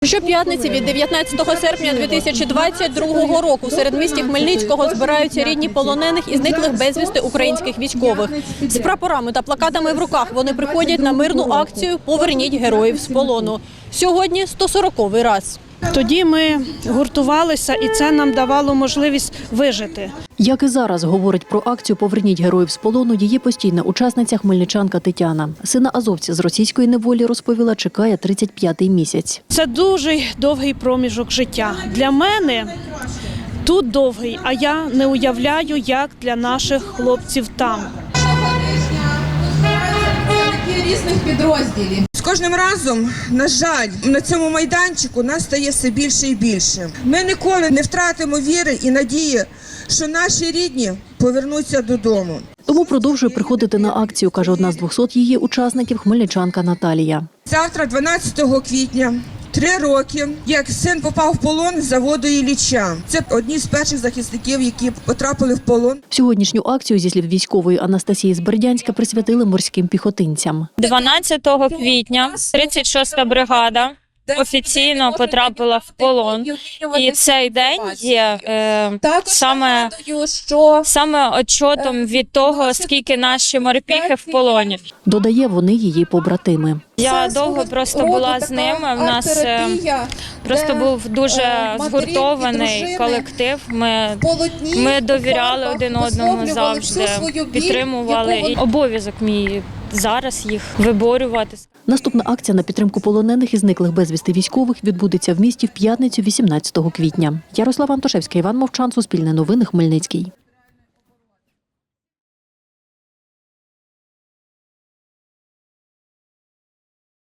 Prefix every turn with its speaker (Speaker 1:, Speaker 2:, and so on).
Speaker 1: Щоп'ятниці від 19 серпня 2022 року в середмісті Хмельницького збираються рідні полонених і зниклих безвісти українських військових. З прапорами та плакатами в руках вони приходять на мирну акцію «Поверніть героїв з полону». Сьогодні 140-й раз.
Speaker 2: Тоді ми гуртувалися, і це нам давало можливість вижити.
Speaker 3: Як і зараз говорить про акцію «Поверніть героїв з полону» її постійна учасниця хмельничанка Тетяна. Сина азовця з російської неволі, розповіла, чекає 35-й місяць.
Speaker 2: Це дуже довгий проміжок життя. Для мене тут довгий, а я не уявляю, як для наших хлопців там.
Speaker 4: Різних підрозділів.
Speaker 5: З кожним разом, на жаль, на цьому майданчику нас стає все більше і більше. Ми ніколи не втратимо віри і надії, що наші рідні повернуться додому.
Speaker 3: Тому продовжує приходити на акцію, каже одна з 200 її учасників, хмельничанка Наталія.
Speaker 5: Завтра, 12 квітня, 3 роки, як син попав в полон з заводу Ілліча. Це одні з перших захисників, які потрапили в полон.
Speaker 3: Сьогоднішню акцію, зі слів військової Анастасії з Бердянська, присвятили морським піхотинцям.
Speaker 6: 12 квітня 36-та бригада офіційно потрапила в полон. І цей день є саме отчетом від того, скільки наші морпіхи в полоні.
Speaker 3: Додає, вони її побратими.
Speaker 6: Я довго просто була з ними, в нас просто був дуже згуртований колектив, ми довіряли один одному завжди, підтримували. І обов'язок мій зараз їх виборювати.
Speaker 3: Наступна акція на підтримку полонених і зниклих безвісти військових відбудеться в місті в п'ятницю 18 квітня. Ярослава Антошевська, Іван Мовчан, Суспільне новини, Хмельницький.